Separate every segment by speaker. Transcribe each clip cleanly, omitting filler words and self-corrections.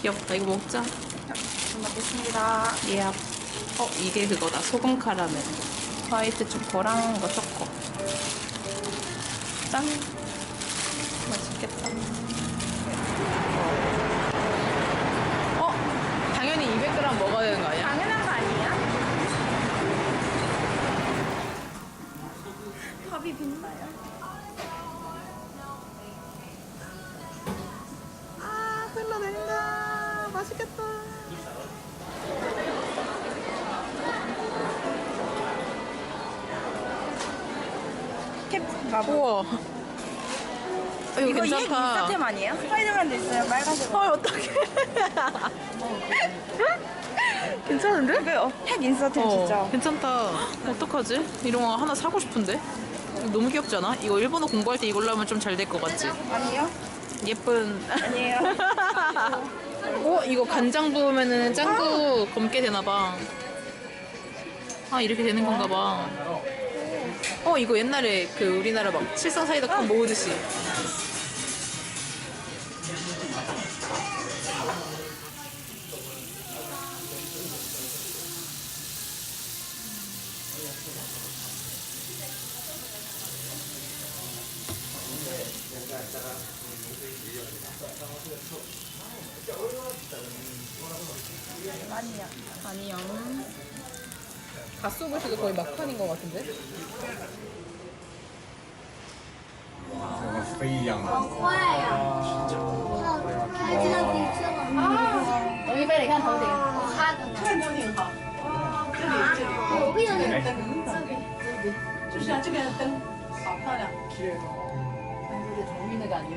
Speaker 1: 귀엽다. 이거 먹자.
Speaker 2: 잘 먹겠습니다.
Speaker 1: 예. 이게 그거다. 소금 카라멜. 화이트 초코랑 이거 초코. 짠. 맛있겠다. 당연히 200g 먹어야 되는 거 아니야?
Speaker 2: 당연한 거 아니야? 밥이 빛나요.
Speaker 1: 흘러내린다. 맛있겠다. 우와. 이거
Speaker 2: 이거
Speaker 1: 괜찮다.
Speaker 2: 인스타템 아니에요? 스파이더맨도 있어요. 빨간색.
Speaker 1: 헐, 어떡해. 괜찮은데?
Speaker 2: 이거 핵 인스타템 진짜.
Speaker 1: 괜찮다. 어떡하지? 이런 거 하나 사고 싶은데? 이거 너무 귀엽지 않아? 이거 일본어 공부할 때 이걸로 하면 좀 잘 될 것 같지?
Speaker 2: 아니요?
Speaker 1: 예쁜.
Speaker 2: 아니에요.
Speaker 1: 이거 간장 부으면은 짱구 검게 되나봐. 이렇게 되는 건가 봐. 이거 옛날에 그 우리나라 막 칠성 사이다컵 모으듯이. 아니요. 갓소부시도 거의 막판인 것 같은데?
Speaker 3: 飞一样的。
Speaker 4: 坏呀！开这样比这个
Speaker 5: 龙一飞，你看头顶，
Speaker 4: 哈的呢。
Speaker 5: 看头顶好。
Speaker 4: 我不想那个。
Speaker 5: 就是像这边的灯，好漂亮，是，有点头晕的感觉。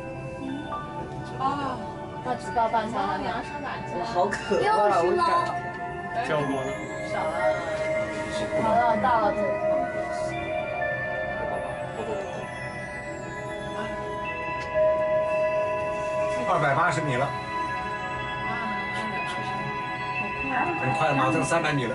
Speaker 5: 那只报半山了，你要上哪去？好渴
Speaker 4: 又是喽。
Speaker 3: 叫过了。
Speaker 5: 少了，好了，到了。
Speaker 3: 280米了，很快了，马上300米了。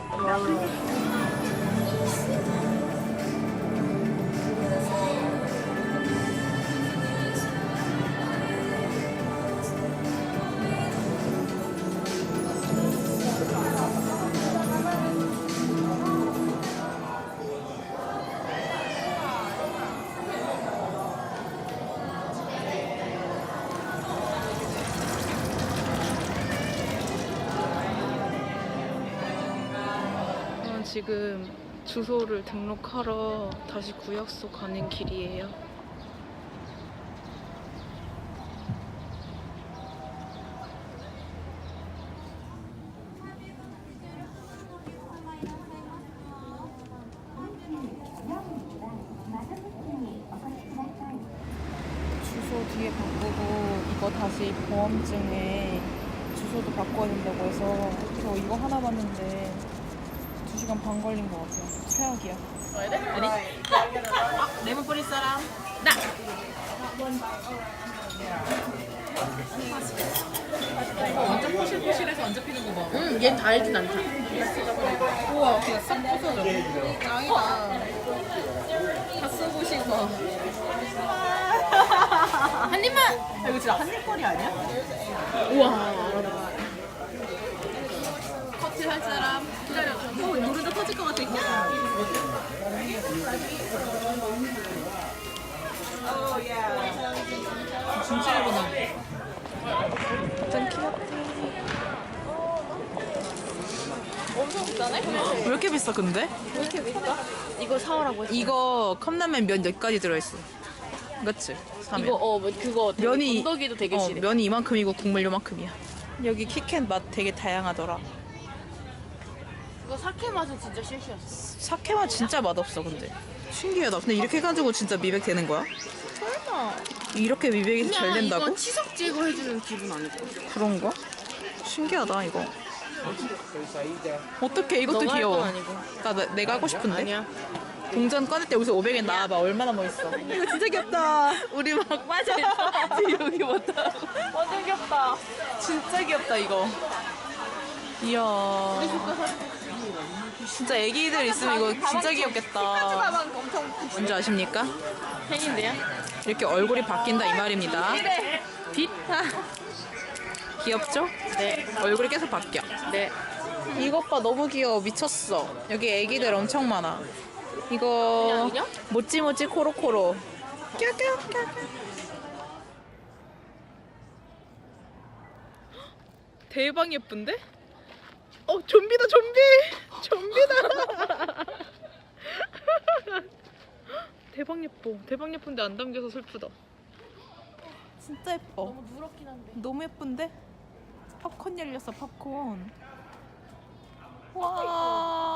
Speaker 1: 지금 주소를 등록하러 다시 구역소 가는 길이에요. 주소 뒤에 바꾸고 이거 다시 보험증에 주소도 바꿔야 된다고 해서 저 이거 하나 봤는데 2시간 반 걸린 것 같아요. 최악이야. 아니? 레몬 뿌릴 사람? 나! 완전 포실포실해서 안 잡히는 거 봐.
Speaker 5: 응, 얘는 달진 않다.
Speaker 1: 우와, 그냥 싹 부서져. 짱이다. 다 쓰고 싶어.
Speaker 5: 한 입만.
Speaker 1: 이거 진짜 한입거리 아니야?
Speaker 5: 우와.
Speaker 1: 커트 할 사람? 기다려. 노래도 터질 것 같아. 진짜 예쁘다. 짠 귀엽지. 엄청 비싸네? 왜 이렇게 비싸 근데?
Speaker 5: 왜 이렇게 비싸? 이거 사오라고 했어.
Speaker 1: 이거 컵라면 면 몇 가지 들어있어. 그치? 사면.
Speaker 5: 이거 그거 되게
Speaker 1: 면이
Speaker 5: 건더기도 되게 실해.
Speaker 1: 면이 이만큼이고 국물 요만큼이야. 여기 키캣 맛 되게 다양하더라.
Speaker 5: 그거 사케 맛은 진짜 실수였어.
Speaker 1: 사케 맛 진짜 맛없어 근데. 신기하다. 근데 이렇게 해가지고 진짜 미백 되는 거야?
Speaker 5: 설마.
Speaker 1: 이렇게 미백이 잘 된다고?
Speaker 5: 이건 치석 제거해주는 기분 아닐까?
Speaker 1: 그런가? 신기하다 이거. 어떡해 이것도
Speaker 5: 너가 할
Speaker 1: 귀여워.
Speaker 5: 건 아니고.
Speaker 1: 내가 하고 싶은데.
Speaker 5: 아니야.
Speaker 1: 동전 꺼낼 때 여기서 500엔 나와봐. 얼마나 멋있어. 이거 진짜 귀엽다. 우리 막 빠져있어. 지금 여기 왔다.
Speaker 5: 완전 귀엽다.
Speaker 1: 진짜 귀엽다 이거. 이야. 진짜 애기들 있으면 이거 진짜 귀엽겠다.
Speaker 5: 가방 엄청
Speaker 1: 뭔지 아십니까?
Speaker 5: 팬인데요?
Speaker 1: 이렇게 얼굴이 바뀐다 이 말입니다.
Speaker 5: 빛.
Speaker 1: 귀엽죠?
Speaker 5: 네.
Speaker 1: 얼굴이 계속 바뀌어.
Speaker 5: 네.
Speaker 1: 이것 봐, 너무 귀여워. 미쳤어. 여기 애기들 엄청 많아. 이거
Speaker 5: 그냥 인형?
Speaker 1: 모찌모찌 코로코로. 껴껴껴. 대박 예쁜데? 좀비다, 좀비! 좀비다! 대박 예뻐. 대박 예쁜데 안 담겨서 슬프다. 진짜 예뻐.
Speaker 5: 너무 누렇긴 한데.
Speaker 1: 너무 예쁜데? 팝콘 열렸어, 팝콘. 와.